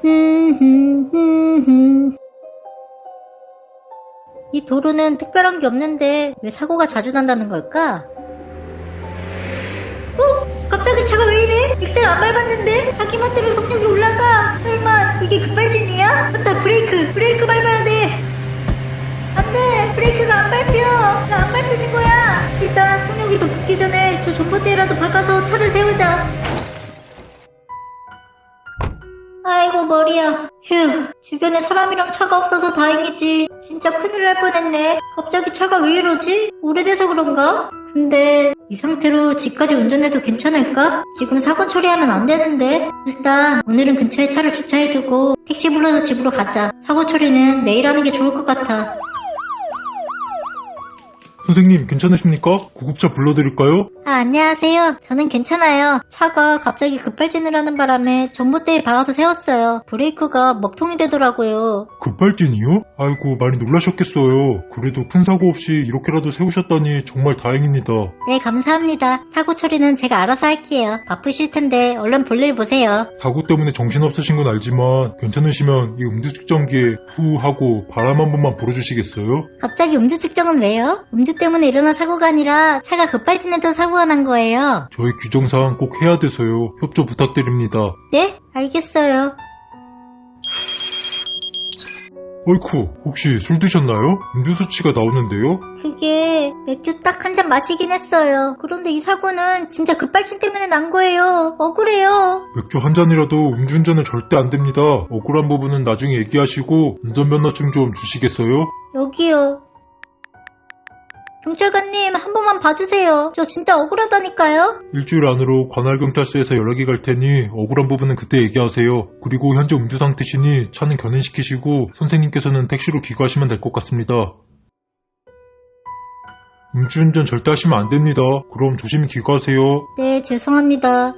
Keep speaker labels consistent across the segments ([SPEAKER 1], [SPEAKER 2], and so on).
[SPEAKER 1] 이 도로는 특별한 게 없는데 왜 사고가 자주 난다는 걸까? 갑자기 차가 왜 이래? 엑셀 안 밟았는데? 자기만대로 속력이 올라가. 설마 이게 급발진이야? 맞다, 브레이크 밟아야 돼. 안돼, 브레이크가 안 밟혀. 왜 안 밟히는 거야? 일단 속력이 더 붙기 전에 저 전봇대라도 박아서 차를 세우자. 아이고 머리야. 휴, 주변에 사람이랑 차가 없어서 다행이지. 진짜 큰일 날 뻔했네. 갑자기 차가 왜 이러지? 오래돼서 그런가? 근데 이 상태로 집까지 운전해도 괜찮을까? 지금 사고 처리하면 안 되는데. 일단 오늘은 근처에 차를 주차해두고 택시 불러서 집으로 가자. 사고 처리는 내일 하는 게 좋을 것 같아.
[SPEAKER 2] 선생님 괜찮으십니까? 구급차 불러드릴까요?
[SPEAKER 1] 안녕하세요. 저는 괜찮아요. 차가 갑자기 급발진을 하는 바람에 전봇대에 박아서 세웠어요. 브레이크가 먹통이 되더라고요.
[SPEAKER 2] 급발진이요? 아이고 많이 놀라셨겠어요. 그래도 큰 사고 없이 이렇게라도 세우셨다니 정말 다행입니다.
[SPEAKER 1] 네, 감사합니다. 사고 처리는 제가 알아서 할게요. 바쁘실 텐데 얼른 볼일 보세요.
[SPEAKER 2] 사고 때문에 정신없으신 건 알지만 괜찮으시면 이 음주 측정기에 후 하고 바람 한 번만 불어주시겠어요?
[SPEAKER 1] 갑자기 음주 측정은 왜요? 음주 때문에 일어난 사고가 아니라 차가 급발진해서 사고가 난 거예요.
[SPEAKER 2] 저희 규정사항 꼭 해야 돼서요. 협조 부탁드립니다.
[SPEAKER 1] 네? 알겠어요.
[SPEAKER 2] 어이쿠, 혹시 술 드셨나요? 음주 수치가 나오는데요?
[SPEAKER 1] 그게 맥주 딱 한 잔 마시긴 했어요. 그런데 이 사고는 진짜 급발진 때문에 난 거예요. 억울해요.
[SPEAKER 2] 맥주 한 잔이라도 음주운전은 절대 안 됩니다. 억울한 부분은 나중에 얘기하시고 운전면허증 좀 주시겠어요?
[SPEAKER 1] 여기요. 경찰관님, 한 번만 봐주세요. 저 진짜 억울하다니까요.
[SPEAKER 2] 일주일 안으로 관할경찰서에서 연락이 갈 테니 억울한 부분은 그때 얘기하세요. 그리고 현재 음주 상태시니 차는 견인시키시고 선생님께서는 택시로 귀가하시면 될 것 같습니다. 음주운전 절대 하시면 안 됩니다. 그럼 조심히 귀가하세요.
[SPEAKER 1] 네, 죄송합니다.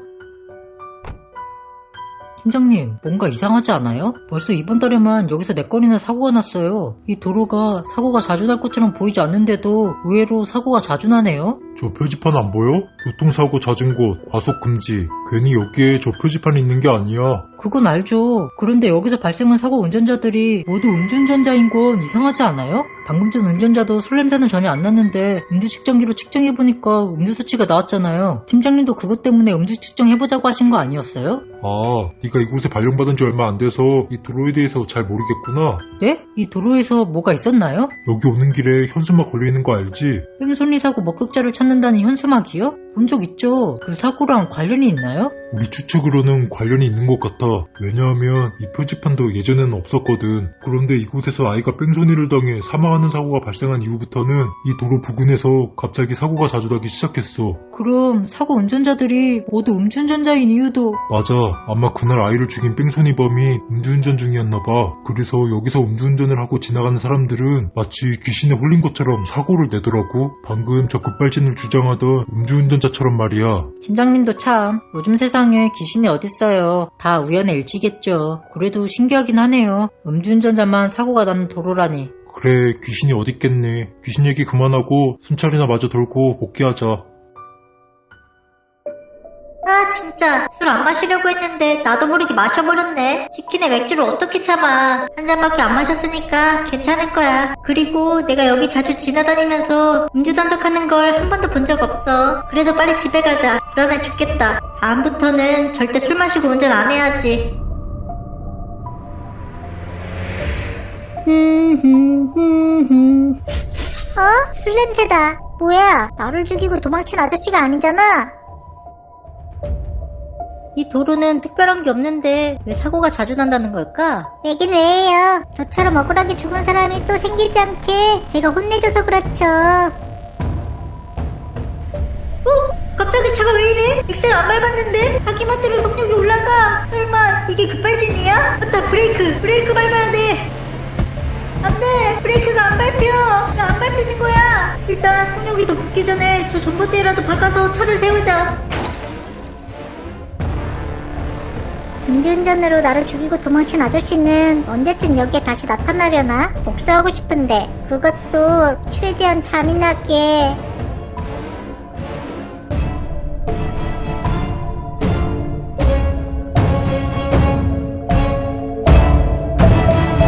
[SPEAKER 3] 팀장님, 뭔가 이상하지 않아요? 벌써 이번 달에만 여기서 4건이나 사고가 났어요. 이 도로가 사고가 자주 날 것처럼 보이지 않는데도 의외로 사고가 자주 나네요.
[SPEAKER 2] 저 표지판 안 보여? 교통사고 잦은 곳, 과속 금지. 괜히 여기에 저 표지판이 있는 게 아니야.
[SPEAKER 3] 그건 알죠. 그런데 여기서 발생한 사고 운전자들이 모두 음주운전자인 건 이상하지 않아요? 방금 전 운전자도 술 냄새는 전혀 안 났는데 음주 측정기로 측정해보니까 음주 수치가 나왔잖아요. 팀장님도 그것 때문에 음주 측정해보자고 하신 거 아니었어요?
[SPEAKER 2] 아, 네가 이곳에 발령받은 지 얼마 안 돼서 이 도로에 대해서 잘 모르겠구나.
[SPEAKER 3] 네? 이 도로에서 뭐가 있었나요?
[SPEAKER 2] 여기 오는 길에 현수막 걸려있는 거 알지?
[SPEAKER 3] 뺑소니 사고 목격자를 찾는다는 현수막이요? 본 적 있죠? 그 사고랑 관련이 있나요?
[SPEAKER 2] 우리 추측으로는 관련이 있는 것 같아. 왜냐하면 이 표지판도 예전에는 없었거든. 그런데 이곳에서 아이가 뺑소니를 당해 사망하는 사고가 발생한 이후부터는 이 도로 부근에서 갑자기 사고가 자주 나기 시작했어.
[SPEAKER 3] 그럼 사고 운전자들이 모두 음주운전자인 이유도
[SPEAKER 2] 맞아. 아마 그날 아이를 죽인 뺑소니범이 음주운전 중이었나봐. 그래서 여기서 음주운전을 하고 지나가는 사람들은 마치 귀신에 홀린 것처럼 사고를 내더라고. 방금 저 급발진을 주장하던 음주운전자처럼 말이야.
[SPEAKER 3] 팀장님도 참 요즘 세상에 귀신이 어딨어요. 다 우연의 일치겠죠. 그래도 신기하긴 하네요. 음주운전자만 사고가 나는 도로라니.
[SPEAKER 2] 그래, 귀신이 어딨겠네. 귀신 얘기 그만하고 순찰이나 마저 돌고 복귀하자.
[SPEAKER 1] 아, 진짜 술 안 마시려고 했는데 나도 모르게 마셔버렸네. 치킨에 맥주를 어떻게 참아. 한 잔밖에 안 마셨으니까 괜찮을 거야. 그리고 내가 여기 자주 지나다니면서 음주 단속하는 걸 한 번도 본 적 없어. 그래도 빨리 집에 가자. 불안해 죽겠다. 다음부터는 절대 술 마시고 운전 안 해야지. 술 냄새다. 뭐야, 나를 죽이고 도망친 아저씨가 아니잖아. 이 도로는 특별한 게 없는데 왜 사고가 자주 난다는 걸까? 왜긴 왜예요. 저처럼 억울하게 죽은 사람이 또 생기지 않게 제가 혼내줘서 그렇죠. 갑자기 차가 왜 이래? 엑셀 안 밟았는데? 자기만대로 속력이 올라가. 설마 이게 급발진이야? 맞다, 브레이크 밟아야 돼. 안돼, 브레이크가 안 밟혀. 왜 안 밟히는 거야? 일단 속력이 더 붙기 전에 저 전봇대라도 박아서 차를 세우자. 음주운전으로 나를 죽이고 도망친 아저씨는 언제쯤 여기에 다시 나타나려나? 복수하고 싶은데 그것도 최대한 잔인하게.